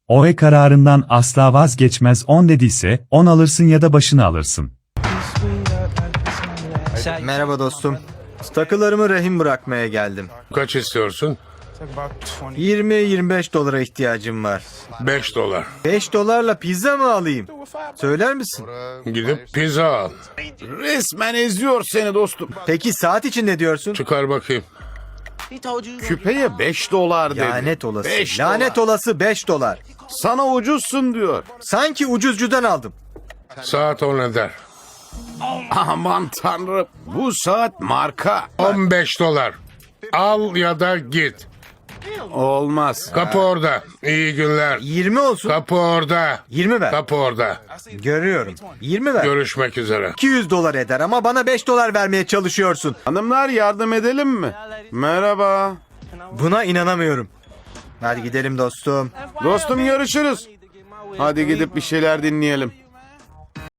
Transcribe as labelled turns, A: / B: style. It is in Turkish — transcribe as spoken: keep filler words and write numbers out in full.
A: O E kararından asla vazgeçmez, on dediyse on alırsın ya da başını alırsın.
B: Merhaba dostum. Takılarımı rehin bırakmaya geldim.
C: Kaç istiyorsun?
B: yirmi yirmi beş dolara ihtiyacım var.
C: Beş dolar.
B: beş dolarla pizza mı alayım? Söyler misin?
C: Gidip pizza al.
D: Resmen eziyor seni dostum.
B: Peki saat için ne diyorsun?
C: Çıkar bakayım.
D: Küpeye beş dolar dedi.
B: Lanet olası.
D: Beş
B: Lanet
D: dolar.
B: olası beş dolar.
D: Sana ucuzsun diyor.
B: Sanki ucuzcudan aldım.
C: Saat on eder.
D: Aman tanrım. Bu saat marka.
C: On beş dolar. Al ya da git.
D: Olmaz.
C: Kapı orada. İyi günler.
B: yirmi olsun.
C: Kapı orada.
B: yirmi ver.
C: Kapı orada.
B: Görüyorum. yirmi ver.
C: Görüşmek üzere.
B: iki yüz dolar eder ama bana beş dolar vermeye çalışıyorsun.
D: Hanımlar yardım edelim mi? Merhaba.
B: Buna inanamıyorum. Hadi gidelim dostum.
D: Dostum görüşürüz. Hadi gidip bir şeyler dinleyelim.